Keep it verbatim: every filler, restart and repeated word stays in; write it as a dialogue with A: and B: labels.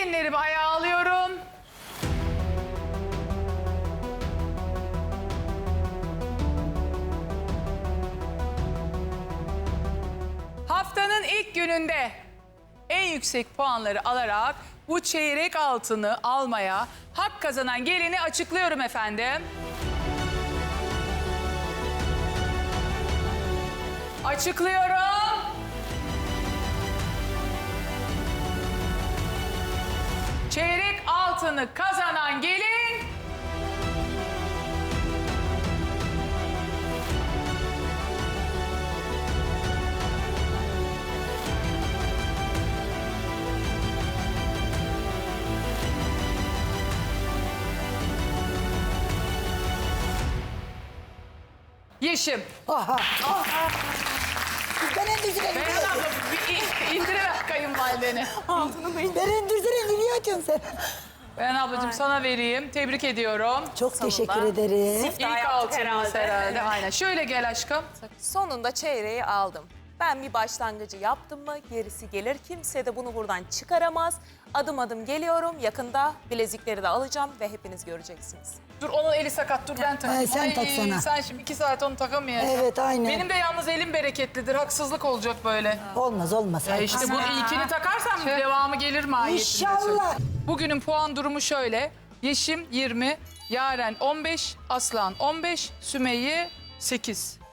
A: Gelinlerimi ayağa alıyorum. Haftanın ilk gününde en yüksek puanları alarak bu çeyrek altını almaya hak kazanan gelini açıklıyorum efendim. Açıklıyorum. Çeyrek altını kazanan gelin... Yeşim.
B: Aha. Ben endüzüre
A: Beyhan
B: gidiyorum.
A: abla bir indiriver kayınvalideni.
B: Ben endüzüre gidiyorum sen.
A: Beyhan ablacığım sana vereyim. Tebrik ediyorum.
B: Çok teşekkür ederim.
A: İlk
C: yaptık
A: altınız herhalde.
C: herhalde.
A: Aynen. Şöyle gel aşkım.
C: Sonunda çeyreği aldım. Ben bir başlangıcı yaptım mı gerisi gelir. Kimse de bunu buradan çıkaramaz. Adım adım geliyorum. Yakında bilezikleri de alacağım ve hepiniz göreceksiniz.
A: Dur onun eli sakat. Dur ben takayım.
B: Ay, sen tak sana.
A: Sen şimdi iki saat onu takamayacaksın.
B: Evet, aynen.
A: Benim de yalnız elim bereketlidir. Haksızlık olacak böyle.
B: Olmaz olmaz.
A: Ya işte bu ilkini takarsam devamı gelir mahiyetinde.
B: İnşallah.
A: Bugünün puan durumu şöyle. Yeşim yirmi, Yaren on beş, Aslan on beş, Sümeyye sekiz.